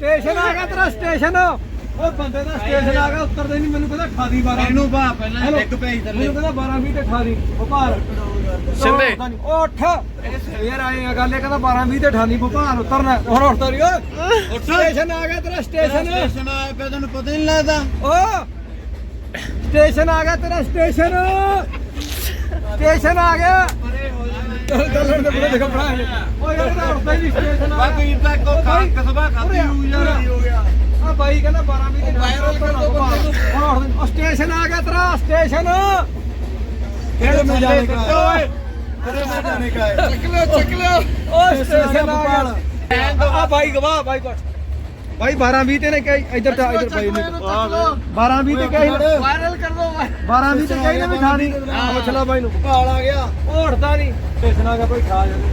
Station ਆ ਗਿਆ ਤੇਰਾ ਸਟੇਸ਼ਨ। ਓਏ ਬੰਦੇ ਦਾ ਸਟੇਸ਼ਨ ਆ ਗਿਆ, ਉੱਤਰਦੇ ਨਹੀਂ। ਮੈਨੂੰ ਕਹਿੰਦਾ 18 12 ਇਹਨੂੰ ਭਾ ਪਹਿਲਾਂ ਡਿੱਗ ਪਈ ਥੱਲੇ। ਮੈਨੂੰ ਕਹਿੰਦਾ 12 20 ਤੇ 18 ਭੋਪਾਲ ਸਿੰਦੇ ਉਹ ਉੱਠ ਯਾਰ ਆਏ ਆ ਗੱਲ। ਇਹ ਕਹਿੰਦਾ 12 20 ਤੇ 18 ਭੋਪਾਲ ਉਤਰਨਾ। ਹੁਣ ਉੱਠਦਾ ਨਹੀਂ ਓਏ। ਸਟੇਸ਼ਨ ਆ ਗਿਆ ਤੇਰਾ ਸਟੇਸ਼ਨ। ਸਟੇਸ਼ਨ ਆਇਆ ਪਿਆ ਤੈਨੂੰ ਪਤਾ ਨਹੀਂ ਲੱਗਦਾ। ਓ ਸਟੇਸ਼ਨ ਆ ਗਿਆ ਤੇਰਾ ਸਟੇਸ਼ਨ। ਸਟੇਸ਼ਨ ਆ ਗਿਆ। ਚੱਲਣ ਦੇ ਬੜੇ ਦੇਖੋ ਬੜਾ ਓਏ ਯਾਰ ਇਹਦਾ ਉੱਠਦਾ ਹੀ ਨਹੀਂ ਸਟੇਸ਼ਨ ਆ ਬਾ ਵੀਰ ਦਾ ਕੋ ਖਾ ਕਸਬਾ ਖਾਦੀ ਹੋ ਯਾਰ ਹੋ ਗਿਆ। ਆ ਬਾਈ ਕਹਿੰਦਾ 12 20 ਤੇ ਵਾਇਰਲ ਕਰ ਦੋ ਬੰਦੇ ਨੂੰ। ਹੁਣ ਸਟੇਸ਼ਨ ਆ ਗਿਆ ਤੇਰਾ ਸਟੇਸ਼ਨ। ਕਿਹੜੇ ਮੈਂ ਜਾਣੇ ਕਾ ਓਏ ਕਿਹੜੇ ਮੈਂ ਜਾਣੇ ਕਾ ਚੱਕ ਲਿਓ ਓ ਸਟੇਸ਼ਨ ਆ ਗਿਆ। ਆ ਬਾਈ ਗਵਾ ਬਾਈ ਕੋਟ ਬਾਈ 12 20 ਤੇ ਨੇ ਕਹੀ ਇੱਧਰ ਤਾਂ ਇੱਧਰ ਬਾਈ ਨੇ 12 20 ਤੇ ਕਹੀ ਵਾਇਰਲ ਕਰ ਦੋ 12 20 ਤੇ ਕਹੀ ਨਾ ਵੀ ਖਾਣੀ। ਪੁੱਛ ਲੈ ਬਾਈ ਨੂੰ। ਭਾਲ ਆ ਗਿਆ। ਉਹ ਉੱਠਦਾ ਨਹੀਂ ਸਟੇਸ਼ਨ ਆ ਗਿਆ ਭਾਈ ਖਾ ਜਾ।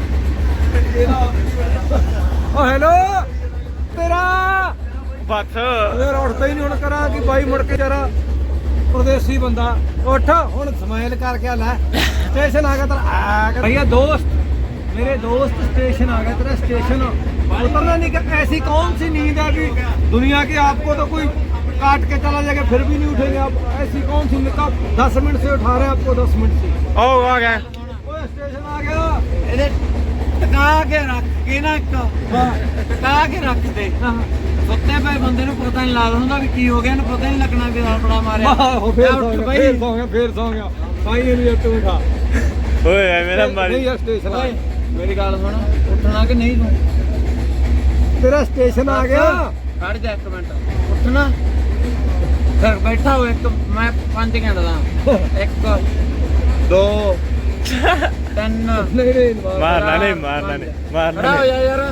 ਓ ਹੈਲੋ ਤੇਰਾ ਬਸ ਯਾਰ ਉੱਠਦਾ ਹੀ ਨਹੀਂ। ਹੁਣ ਕਰਾਂ ਕਿ ਬਾਈ ਮੁੜ ਕੇ ਜਰਾ ਪਰਦੇਸੀ ਬੰਦਾ ਉੱਠ ਹੁਣ ਸਮਾਈਲ ਕਰਕੇ ਲੈ। ਸਟੇਸ਼ਨ ਆ ਗਿਆ ਤੇਰਾ भैया दोस्त मेरे दोस्त स्टेशन आ गया तेरा स्टेशन। उतरना नहीं कि ऐसी कौन सी नींद है कि दुनिया की आपको तो कोई काट के चला जाएगा फिर भी नहीं उठेंगे आप। ऐसी कौन सी निकाह 10 मिनट से उठा रहे हैं आपको 10 मिनट से। ਉਹ ਆ ਗਿਆ ओए स्टेशन आ गया। ਇਹਦੇ ਟਕਾ ਕੇ ਰੱਖ ਕੇ ਨਾ ਇੱਕ ਟਕਾ ਕੇ ਰੱਖ ਦੇ। ਸੁੱਤੇ ਪਏ ਬੰਦੇ ਨੂੰ ਪਤਾ ਨਹੀਂ ਲੱਗਦਾ ਹੁੰਦਾ ਵੀ ਕੀ ਹੋ ਗਿਆ। ਇਹਨੂੰ ਪਤਾ ਨਹੀਂ ਲੱਗਣਾ ਵੀ ਆਪਣਾ ਮਾਰਿਆ। फिर सो गया फिर सो गया भाई ये नहीं तू उठा। ਓਏ ਐ ਮੇਰਾ ਮਾਰੀ नहीं यार स्टेशन आ गया। ਮੇਰੀ ਗੱਲ ਸੁਣ ਉੱਠਣਾ ਕਿ ਨਹੀਂ ਤੂੰ तेरा स्टेशन आ गया। ਖੜ ਜਾ ਇੱਕ ਮਿੰਟ ਉੱਠਣਾ ਫਿਰ ਬੈਠਾ ਹੋ ਇੱਕ ਮੈਂ 5 ਘੰਟੇ ਦਾ 1 2 3 नहीं नहीं ਮਾਰਨਾ ਨਹੀਂ ਮਾਰਨਾ ਨਹੀਂ ਮਾਰਨਾ ਖੜਾ ਹੋ ਨਹੀਂ ਜਾ ਯਾਰ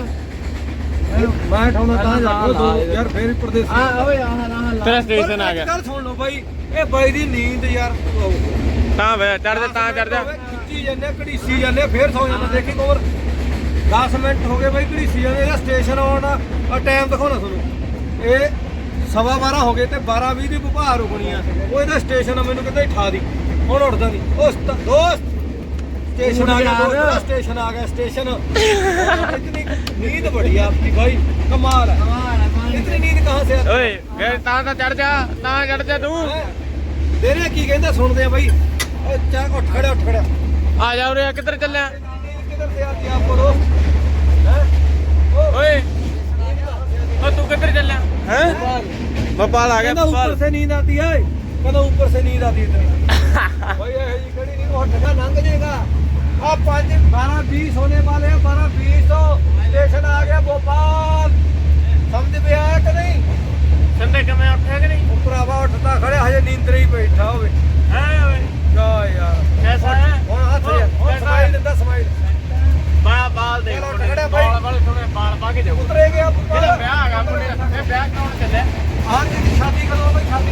मैं उठाना ਤਾਂ ਜਾ ਯਾਰ ਫੇਰ ਪਰਦੇਸੀ ਆ ਓਏ ਆਹ ਤੇਰਾ ਸਟੇਸ਼ਨ ਆ ਗਿਆ। ਗੱਲ ਸੁਣ ਲਓ ਬਾਈ ਇਹ ਬਾਈ ਦੀ ਨੀਂਦ ਯਾਰ ਤਾਂ ਵੇ ਚੜ ਜਾ ਤਾਂ ਚੜ ਜਾ। ਖਿੱਚੀ ਜਾਂਦੇ ਘੜੀਸੀ ਜਾਂਦੇ ਫੇਰ ਸੌ ਜਾਂਦੇ। ਦੇਖੀ ਕੋਰ 10 ਮਿੰਟ ਹੋ ਗਏ ਬਾਈ ਘੜੀਸੀ ਜਾਂਦੇ। ਇਹਦਾ ਸਟੇਸ਼ਨ ਆਉਣ ਆ ਟਾਈਮ ਦਿਖਾਉਣਾ ਤੁਹਾਨੂੰ। ਇਹ 12:15 ਹੋ ਗਏ ਤੇ 12:20 ਦੀ ਭੁਪਾਰ ਰੁਕਣੀ ਆ। ਉਹ ਇਹਦਾ ਸਟੇਸ਼ਨ ਆ। ਮੈਨੂੰ ਕਹਿੰਦਾ ਠਾ ਦੀ ਹੁਣ ਉੱਠਦਾ ਨਹੀਂ। ਉਹ ਦੋਸਤ स्टेशन आ गया स्टेशन आ गया स्टेशन। इतनी नींद बड़ी है आपकी भाई कमाल है। इतनी नींद कहाँ से आती ਓਏ ਫੇਰ ਤਾਂ ਚੜ ਜਾ ਤਾਂ ਚੜ ਜਾ ਤੂੰ। है? तेरे की कहता सुनते हैं भाई। ओए चाह उठ खड़ा उठ खड़ा। ਆ ਜਾ ਉਰੇ ਕਿੱਧਰ ਚੱਲਿਆ नींद किधर से आती है आपको दोस्त हैं? ਓਏ ਓ ਤੂੰ ਕਿੱਧਰ ਚੱਲਿਆ ਹੈ ਬਪਾਲ ਆ ਗਿਆ कहता ऊपर ਬਪਾਲ। से नींद आती है। कहता ऊपर से नींद आती है भाई ये जी खड़ी नहीं वो ठगा लंघ जाएगा। अब 5 12 20 होने वाले हैं। 12 20 तो स्टेशन आ गया भोपाल। समझ में आया कि नहीं? ਸੰਦੇ ਕਿਵੇਂ ਉੱਠਿਆ ਕਿ ਨਹੀਂ ਭਰਾਵਾ ਉੱਠਦਾ ਖੜਿਆ ਹਜੇ ਨੀਂਦਰੇ ਹੀ ਬੈਠਾ ਹੋਵੇ। ਹੈ ਓਏ ਜਾ ਯਾਰ ਕੈਸਾ ਹੈ ਹੁਣ ਹੱਥ ਹੁਣ ਸਮਾਈਲ ਦਿੰਦਾ ਸਮਾਈਲ। ਬਾਲ ਦੇ ਚਲੋ ਉੱਠ ਖੜਿਆ ਬਾਈ। ਬਾਲ ਵਾਲੇ ਥੋੜੇ ਬਾਲ ਪਾ ਕੇ ਜਾਓ। ਉਤਰੇ ਗਿਆ ਇਹਦਾ ਵਿਆਹ ਹੈਗਾ ਮੁੰਡੇ ਦਾ। ਇਹ ਵਿਆਹ ਕਰਾਉਣ ਚੱਲਿਆ। ਹਾਂ ਜੀ ਸ਼ਾਦੀ ਕਦੋਂ ਬਈ ਸ਼ਾਦੀ।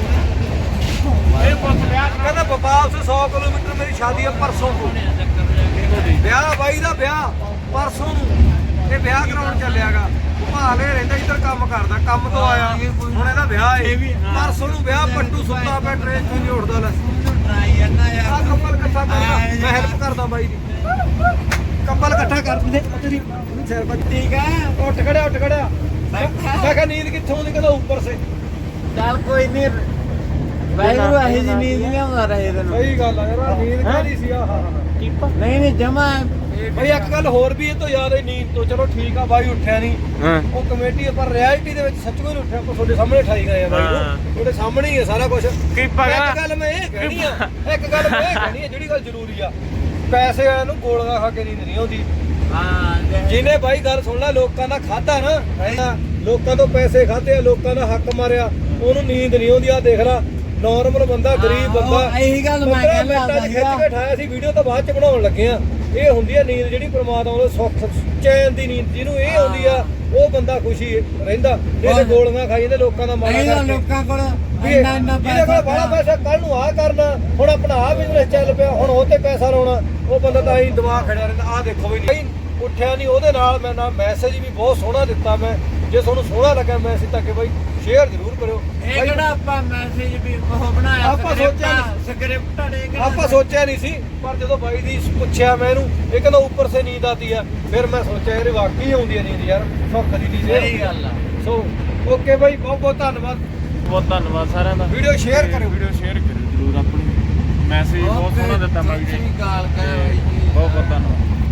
ਇਹ ਪੁੱਤ ਵਿਆਹ ਕਹਿੰਦਾ ਭੋਪਾਲ से 100 किलोमीटर मेरी शादी है परसों को। ਵਿਆਹ ਬਾਈ ਦਾ ਵਿਆਹ ਪਰਸੋਂ ਨੂੰ। ਇਹ ਵਿਆਹ ਕਰਾਉਣ ਚੱਲਿਆਗਾ। ਭੋਪਾਲ ਇਹ ਰਹਿੰਦਾ ਇੱਧਰ ਕੰਮ ਕਰਦਾ। ਕੰਮ ਤੋਂ ਆਇਆ ਹੁਣ ਇਹਦਾ ਵਿਆਹ ਏ। ਪਰਸੋਂ ਨੂੰ ਵਿਆਹ। ਪੱਟੂ ਸੁੱਤਾ ਪਿਆ ਟ੍ਰੇਨ ਤੋਂ ਨਹੀਂ ਉੱਠਦਾ। ਲੈ ਟਰਾਈ ਜਾਂਦਾ ਯਾਰ ਆ ਕੰਬਲ ਇਕੱਠਾ ਕਰ ਮੈਂ ਹੈਲਪ ਕਰਦਾ ਬਾਈ ਦੀ। ਕੰਬਲ ਇਕੱਠਾ ਕਰ ਦੇ ਤੇਰੀ ਸਿਰ ਬੱਤੀ ਠੀਕ ਹੈ ਉੱਠ ਖੜਿਆ ਮੈਂ ਕਿਹਾ ਨੀਂਦ ਕਿੱਥੋਂ ਆਉਂਦੀ? ਕਹਿੰਦਾ ਉੱਪਰ ਸੇ। ਚੱਲ ਕੋਈ ਨਹੀਂ ਵੈਗਰੂ ਇਹ ਜੀ ਨੀਂਦ ਨਹੀਂ ਆਉਂਦਾ ਰਹੇ ਤੈਨੂੰ। ਸਹੀ ਗੱਲ ਆ ਯਾਰ ਨੀਂਦ ਕਾਹਦੀ ਸੀ ਆਹ ਨਹੀਂ ਜਮਾ ਬਈ ਇੱਕ ਗੱਲ ਹੋਰ ਵੀ ਇਹ ਤੋਂ ਯਾਦ ਹੈ ਨੀਂਦ ਤੋਂ। ਚਲੋ ਠੀਕ ਆ ਬਾਈ ਉੱਠਿਆ ਨਹੀਂ ਹਾਂ ਉਹ ਕਮੇਟੀ ਪਰ ਰਿਐਲਿਟੀ ਦੇ ਵਿੱਚ ਸੱਚੀ ਨਹੀਂ ਉੱਠਿਆ। ਆਪਾਂ ਤੁਹਾਡੇ ਸਾਹਮਣੇ ਠਾਈ ਗਏ ਆ ਬਾਈ ਨੂੰ। ਤੁਹਾਡੇ ਸਾਹਮਣੇ ਹੀ ਹੈ ਸਾਰਾ ਕੁਝ। ਕੀ ਪਗਾ ਇੱਕ ਗੱਲ ਮੈਂ ਇਹ ਕਹਿਣੀ ਆ ਜਿਹੜੀ ਗੱਲ ਜ਼ਰੂਰੀ ਆ। ਪੈਸੇ ਵਾਲਿਆਂ ਨੂੰ ਗੋਲੀਆਂ ਖਾ ਕੇ ਨੀਂਦ ਨਹੀਂ ਆਉਂਦੀ। ਹਾਂ ਜਿਹਨੇ ਬਾਈ ਗੱਲ ਸੁਣ ਲੈ ਲੋਕਾਂ ਦਾ ਖਾਦਾ ਨਾ ਲੋਕਾਂ ਤੋਂ ਪੈਸੇ ਖਾਦੇ ਆ ਲੋਕਾਂ ਦਾ ਹੱਕ ਮਾਰਿਆ ਉਹਨੂੰ ਨੀਂਦ ਨਹੀਂ ਆਉਂਦੀ। ਆ ਦੇਖ ਲੈ ਨਾਰਮਲ ਬੰਦਾ ਗਰੀਬ ਬੰਦਾ ਇਹੀ ਗੱਲ ਮੈਂ ਕਹਿੰਦਾ ਖਿੱਚ ਕੇ ਠਾਇਆ ਸੀ। ਵੀਡੀਓ ਤਾਂ ਬਾਅਦ ਚ ਬਣਾਉਣ ਲੱਗੇ ਆ। ਇਹ ਹੁੰਦੀ ਆ ਨੀਂਦ ਜਿਹੜੀ ਪ੍ਰਮਾਤਮਾ ਵੱਲੋਂ ਸੁੱਖ ਚੈਨ ਦੀ ਨੀਂਦ ਜਿਹਨੂੰ ਇਹ ਆਉਂਦੀ ਆ ਉਹ ਬੰਦਾ ਖੁਸ਼ੀ ਰਹਿੰਦਾ। ਜਿਹੜੇ ਗੋਲੀਆਂ ਖਾਈ ਜਾਂਦੇ ਲੋਕਾਂ ਦਾ ਮਾਰਾ ਕਰਕੇ। ਲੋਕਾਂ ਕੋਲ ਇੰਨਾ ਪੈਸਾ ਬੜਾ ਪੈਸਾ ਕੱਲ ਨੂੰ ਆਹ ਕਰਨਾ ਹੁਣ ਆਪਣਾ ਆਹ ਬਿਜ਼ਨਸ ਚੱਲ ਪਿਆ ਹੁਣ ਉਹ ਤੇ ਪੈਸਾ ਲਾਉਣਾ। ਉਹ ਬੰਦਾ ਤਾਂ ਹੀ ਦਿਮਾਗ ਖੜਿਆ ਰਹਿੰਦਾ। ਆਹ ਦੇਖੋ ਵੀ ਨਹੀਂ ਉੱਠਿਆ ਨਹੀਂ। ਉਹਦੇ ਨਾਲ ਮੈਂ ਨਾ ਮੈਸੇਜ ਵੀ ਬਹੁਤ ਸੋਹਣਾ ਦਿੱਤਾ। ਮੈਂ ਜੇ ਤੁਹਾਨੂੰ ਸੋਹਣਾ ਲੱਗਾ ਮੈਸੇਜ ਤਾਂ ਕਿ ਬਾਈ ਸ਼ੇਅਰ ਜ਼ਰੂਰ ਕਰਿਓ ਇਹ ਬਾਈ, ਕਿਹੜਾ ਆਪਾਂ ਮੈਸੇਜ ਵੀ ਉਹ ਬਣਾਇਆ ਆਪਾਂ ਸੋਚਿਆ ਸਕ੍ਰਿਪਟ ਨੇ ਕਿਹੜਾ ਆਪਾਂ ਸੋਚਿਆ ਨਹੀਂ ਸੀ ਪਰ ਜਦੋਂ ਬਾਈ ਦੀ ਪੁੱਛਿਆ ਮੈਂ ਇਹਨੂੰ ਇਹ ਕਹਿੰਦਾ ਉੱਪਰ ਸੇ ਨੀਂਦ ਆਤੀ ਹੈ ਫਿਰ ਮੈਂ ਸੋਚਿਆ ਇਹ ਵਾਕਈ ਆਉਂਦੀ ਹੈ ਨੀਂਦ ਯਾਰ ਸੁੱਖ ਦੀ ਨੀਂਦ ਸਹੀ ਗੱਲ ਆ ਸੋ ਓਕੇ ਬਾਈ ਬਹੁਤ ਬਹੁਤ ਧੰਨਵਾਦ ਬਹੁਤ ਧੰਨਵਾਦ ਸਾਰਿਆਂ ਦਾ ਵੀਡੀਓ ਸ਼ੇਅਰ ਕਰਿਓ ਵੀਡੀਓ ਸ਼ੇਅਰ ਕਰਿਓ ਜਰੂਰ ਆਪਣੀ ਮੈਸੇਜ ਬਹੁਤ ਸੋਹਣਾ ਦਿੱਤਾ ਮੈਂ ਸਤਿ ਵੀਡੀਓ ਸ਼੍ਰੀ ਅਕਾਲ ਕਹਿ ਬਾਈ ਜੀ ਬਹੁਤ ਬਹੁਤ ਧੰਨਵਾਦ